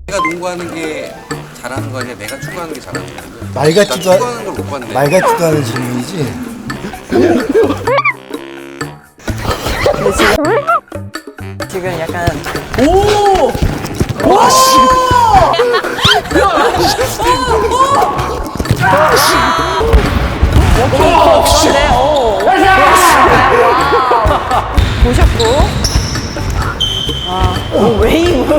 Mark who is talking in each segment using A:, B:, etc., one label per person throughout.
A: 내가 농구하는 게 잘하는 거 아니야? 내가 축구하는 게 잘하는 거야?
B: 말
A: 나
B: 같지도
A: 축구하는 걸 못 봤네.
B: 말 같지도 않은 질문이지.
C: 지금 약간 오! 와 씨! 보셨고 웨이브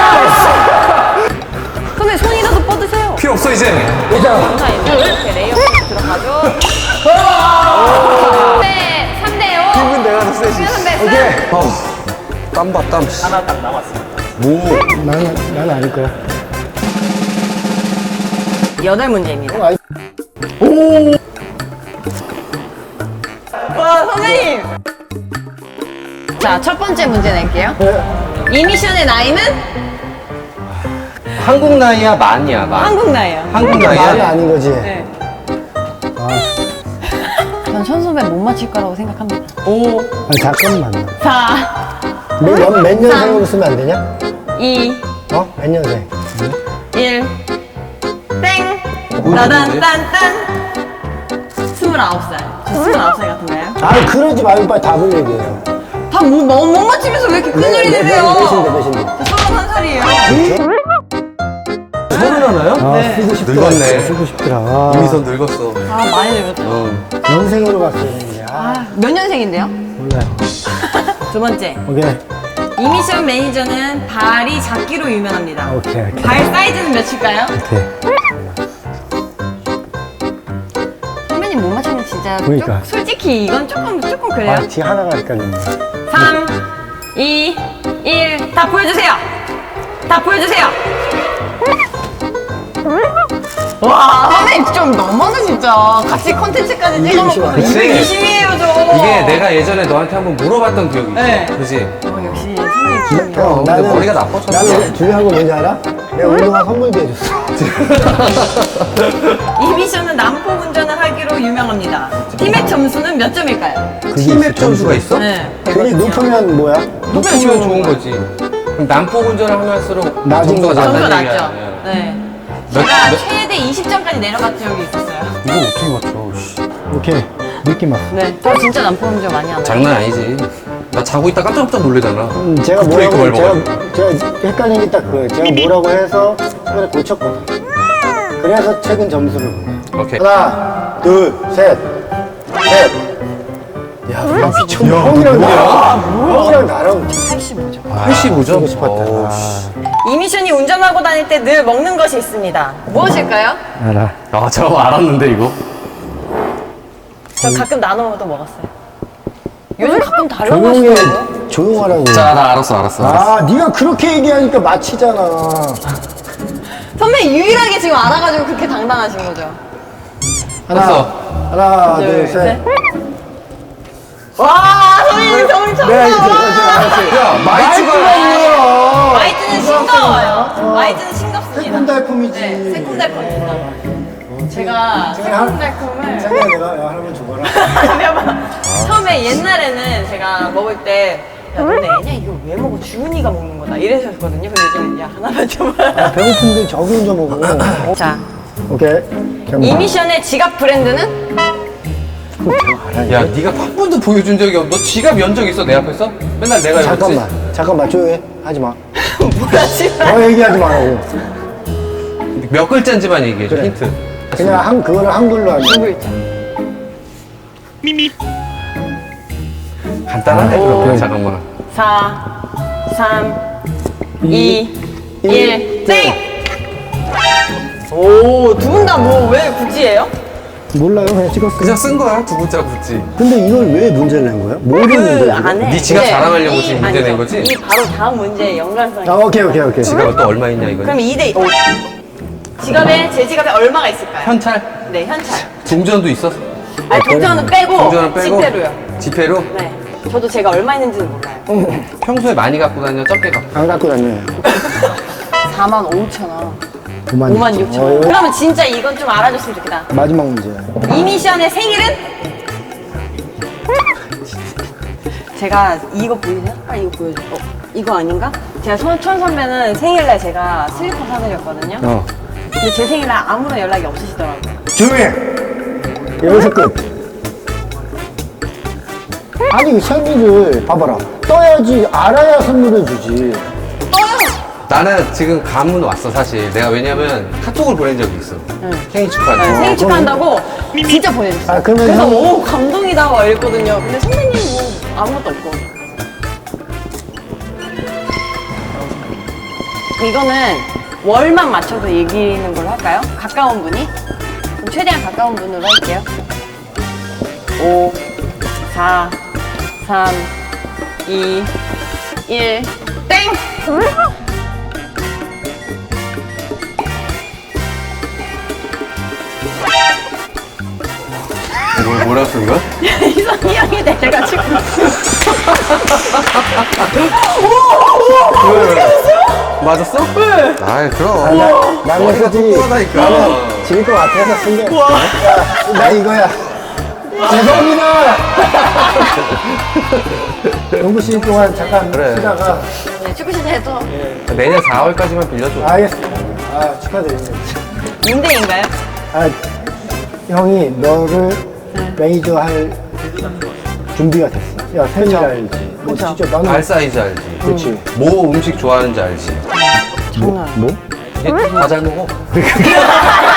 C: 선배 손이라도 뻗으세요.
A: 필요 없어 이제.
C: 감사합니다. 이렇게 레이업 들어가죠. 네, 3대5
B: 기분 내가 더 세지.
C: 선배
A: 땀봐 땀.
D: 하나 딱 남았습니다.
A: 뭐?
B: 나는 아닐 거야.
C: 8문제입니다.
B: 아이.
C: 와 선생님. 자, 첫 번째 문제 낼게요. 이 미션의 나이는
A: 한국 나이야 만이야 만.
C: 한국 나이요.
A: 한국
B: 말이
A: 나이야.
B: 아닌 거지.
C: 네. 전 선배 못 맞힐 거라고 생각합니다. 5,
B: 아, 잠깐만.
C: 4,
B: 몇 년생으로 쓰면 안 되냐?
C: 2,
B: 어? 몇 년생?
C: 1, 땡! 따단딴딴! 29살. 저 29살 같은가요?
B: 아, 그러지 말고 빨리 답을 얘기해요.
C: 다 못 맞히면서 왜 이렇게 큰 소리 내세요?
B: 몇인데?
C: 저 31살이에요.
A: 서른 하나요?
B: 아, 쓰고 싶더라.
A: 늙었네.
B: 쓰고 싶더라. 아,
A: 이미선 늙었어.
C: 아, 많이 늙었죠.
B: 연생으로 갔어야 되는데. 아,
C: 몇 년생인데요?
B: 몰라요.
C: 두 번째.
B: 오케이.
C: 이 미션 매니저는 발이 작기로 유명합니다.
B: 오케이.
C: 발 사이즈는 몇일까요?
B: 오케이.
C: 선배님 못 맞추면 진짜
B: 그러니까.
C: 솔직히 이건 조금 그래요.
B: 아, 지금 하나가 헷갈리네.
C: 3, 2, 1, 다 보여주세요. 다 보여주세요. 와, 선배님 좀 너무하네 진짜. 같이 컨텐츠까지 찍어놓고
A: 그치.
C: 이심이에요 저.
A: 이게 내가 예전에 너한테 한번 물어봤던 기억이 있어.
C: 네.
A: 그지?
C: 역시 선배님 기억이요.
A: 어, 근데 머리가 나빠졌어.
B: 나는 중요한 건 뭔지 알아? 내가 운동화 선물도 해줬어.
C: 이 미션은 난폭 운전을 하기로 유명합니다. 팀의 점수는 몇 점일까요?
A: 팀의 점수가 있어?
C: 네.
B: 그게 높으면 뭐야?
A: 높으면 좋은 거지. 그럼 난폭 운전을 하면서록
B: 낮은
A: 점수가
B: 거죠.
C: 점수
A: 낮다는
C: 낮죠?
A: 얘기야.
C: 네.
A: 몇-
C: 제가
A: 몇-
C: 최대 20점까지 내려갔던 적이 있었어요.
A: 이거 어떻게 맞춰? 씨.
B: 오케이. 느낌 왔어.
C: 네. 저 진짜 난폭 운전 많이 하나요?
A: 장난 아니지. 나 자고 있다 깜짝깜짝 놀래잖아.
B: 제가
A: 그 브레이크
B: 뭐라고,
A: 밟아가지고.
B: 제가 헷갈린 게 딱 그거예요. 제가 뭐라고 해서 최근에 고쳤거든. 그래서 최근 점수를 보내.
A: 오케이.
B: 하나, 둘, 셋, 넷. 야, 미쳤네. 형이랑 나랑
C: 85점.
A: 85점?
B: 쓰고 싶었다.
C: 이 미션이 운전하고 다닐 때 늘 먹는 것이 있습니다. 무엇일까요?
B: 알아.
A: 아, 저 알았는데, 이거?
C: 저 가끔 나눠도 먹었어요. 요즘 가끔 달라고
B: 조용히
C: 하시더라고요.
B: 조용하라고.
A: 자, 나 알았어.
B: 아, 네가 그렇게 얘기하니까 마치잖아.
C: 선배 유일하게 지금 알아가지고 그렇게 당당하신 거죠?
B: 하나, 둘, 셋.
C: 와, 선배님 정말
B: 내가
C: 쳤다.
A: 야, 마이츠가.
B: 있어.
C: 마이트는 싱거워요. 마이트는 싱겁습니다.
B: 새콤달콤이지.
C: 네, 새콤달콤입니다. 제가 새콤달콤을
B: 짱이야, 내가 야, 하나만 줘봐라.
C: 처음에 옛날에는 제가 먹을 때 야, 너네 애냐? 이거 왜 먹어? 주은이가 먹는 거다. 이러셨거든요. 근데 요즘은 야, 하나만 줘봐.
B: 배고픈데 저기 혼자 먹어.
C: 자,
B: 오케이.
C: 이 미션의 지갑 브랜드는?
A: 야, 네가 한 번도 보여준 적이 없어. 너 지갑 연 적 있어, 내 앞에서? 맨날 내가 이러지.
B: 잠깐만, 조용히 하지 마.
C: 뭐야, 지금.
B: 더 얘기하지 말라고.
A: 몇 글자인지만 얘기해줘,
B: 그래.
A: 힌트.
B: 그냥 그거를 한글로 하지.
C: 두 글자.
A: 간단하네, 그러면. 잠깐만.
C: 4, 3, 2, 1, 땡! 오, 두 분 다 뭐, 왜 굳이 해요?
B: 몰라요, 그냥 찍었어.
A: 그냥 쓴 거야, 두 글자 굳이.
B: 근데 이걸 왜 문제를 낸 거야? 뭘 했는데? 이거?
C: 안에.
A: 네 지갑 자랑하려고 지금 문제 낸 거지?
C: 이 바로 다음 문제의 연관성이.
B: 아, 오케이.
A: 지갑은 또 얼마 있냐, 이거?
C: 그럼 2대 5. 지갑에, 제 지갑에 얼마가 있을까요?
A: 현찰?
C: 네, 현찰.
A: 동전도 있어?
C: 아니, 동전은 빼고,
A: 동전은 빼고?
C: 지폐로요.
A: 지폐로?
C: 네. 저도 제가 얼마 있는지는 몰라요.
A: 평소에 많이 갖고 다녀, 적게 갖고.
B: 안 갖고 다녀요.
C: 4만 5천 원.
B: 5만
C: 5만 6천 원. 그러면 진짜 이건 좀 알아줬으면 좋겠다.
B: 마지막 문제.
C: 이 미션의 생일은? 제가 이거 보이세요? 빨리 이거 보여줘. 이거 아닌가? 제가 손천 선배는 생일날 제가 슬리퍼 사드렸거든요. 근데 제 생일날 아무런 연락이 없으시더라고요.
B: 조용히 해! 여기서 끝. 아니 생일을 봐봐라. 떠야지 알아야 선물을 주지.
A: 나는 지금 감은 왔어 사실. 내가 왜냐면 카톡을 보낸 적이 있어. 생일 축하해.
C: 네, 생일 축하한다고 진짜 보내줬어요.
B: 아, 그러면
C: 그래서
B: 형-
C: 오 감동이다 막 이랬거든요. 근데 선배님 뭐 아무것도 없고. 이거는 월만 맞춰서 이기는 걸로 할까요? 가까운 분이? 그럼 최대한 가까운 분으로 할게요. 5, 4, 3, 2, 1, 땡!
A: 뭐라 쓴 거야?
C: 이선희 형이 내려가지고.
A: 맞았어? 네. 아이 그럼.
B: 나는
A: 머리가
B: 솔직히
A: 똑똑하다니까.
B: 나는 질 것 같아서 쓴 게. 야, 나 이거야. 죄송합니다. 연구실 동안 잠깐
A: 그래.
B: 쉬다가.
C: 네, 축구 시대에도
A: 내년 4월까지만 빌려줘.
B: 알겠습니다. 아, 축하드립니다.
C: 임대인가요?
B: 아, 형이 너를 매니저 할 준비가 됐어. 야, 생일 알지? 뭐
C: 그쵸.
B: 진짜 나는.
A: 발 사이즈 알지?
B: 그렇지.
A: 뭐 음식 좋아하는지 알지?
C: 장난.
B: 뭐?
A: 얘 다 잘 먹어.